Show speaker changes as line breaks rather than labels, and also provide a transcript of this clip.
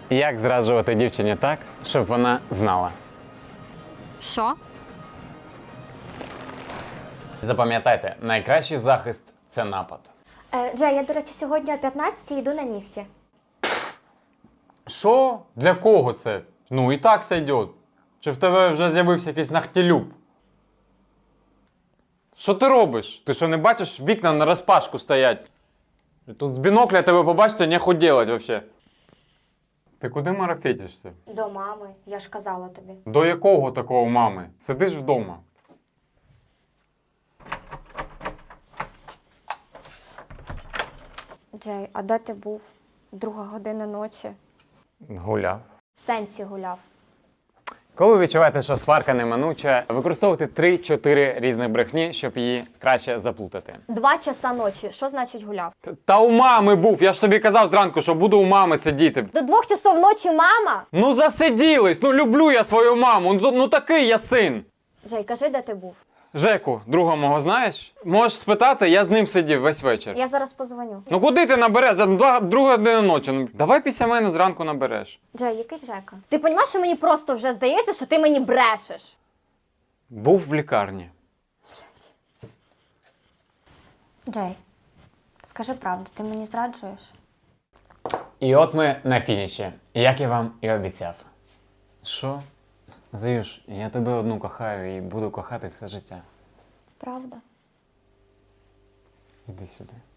Як зраджувати дівчині так, щоб вона знала?
Що?
Запам'ятайте, найкращий захист – це напад.
Джей, я, до речі, сьогодні о 15-й йду на нігті.
Що? Для кого це? Ну і так сойдет. Чи в тебе вже з'явився якийсь нахтілюб? Що ти робиш? Ти що, не бачиш, вікна на розпашку стоять? Тут з бінокля тебе побачити нехуй делать вообще. Ти куди марафетишся?
До мами, я ж казала тобі.
До якого такого мами? Сидиш вдома.
Джей, а де ти був? 2:00 ночі.
Гуляв.
В сенсі гуляв.
Коли ви відчуваєте, що сварка неминуча, використовуйте 3-4 різних брехні, щоб її краще заплутати.
2 часа ночі. Що значить гуляв?
Та у мами був, я ж тобі казав зранку, що буду у мами сидіти.
До 2 часов ночі мама?
Ну засиділись, ну люблю я свою маму, ну такий я син.
Джей, кажи, де ти був?
Жеку, друга мого знаєш? Можеш спитати, я з ним сидів весь вечір.
Я зараз позвоню.
Ну куди ти набереш? За 2 ночі. Ну, давай після мене зранку набереш.
Джей, який Жека? Ти розумієш, що мені просто вже здається, що ти мені брешеш?
Був в лікарні.
Джей, скажи правду, ти мені зраджуєш?
І от ми на фініші, як я вам і обіцяв. Що? Заюш, я тебе одну кохаю і буду кохати все життя.
Правда?
Іди сюди.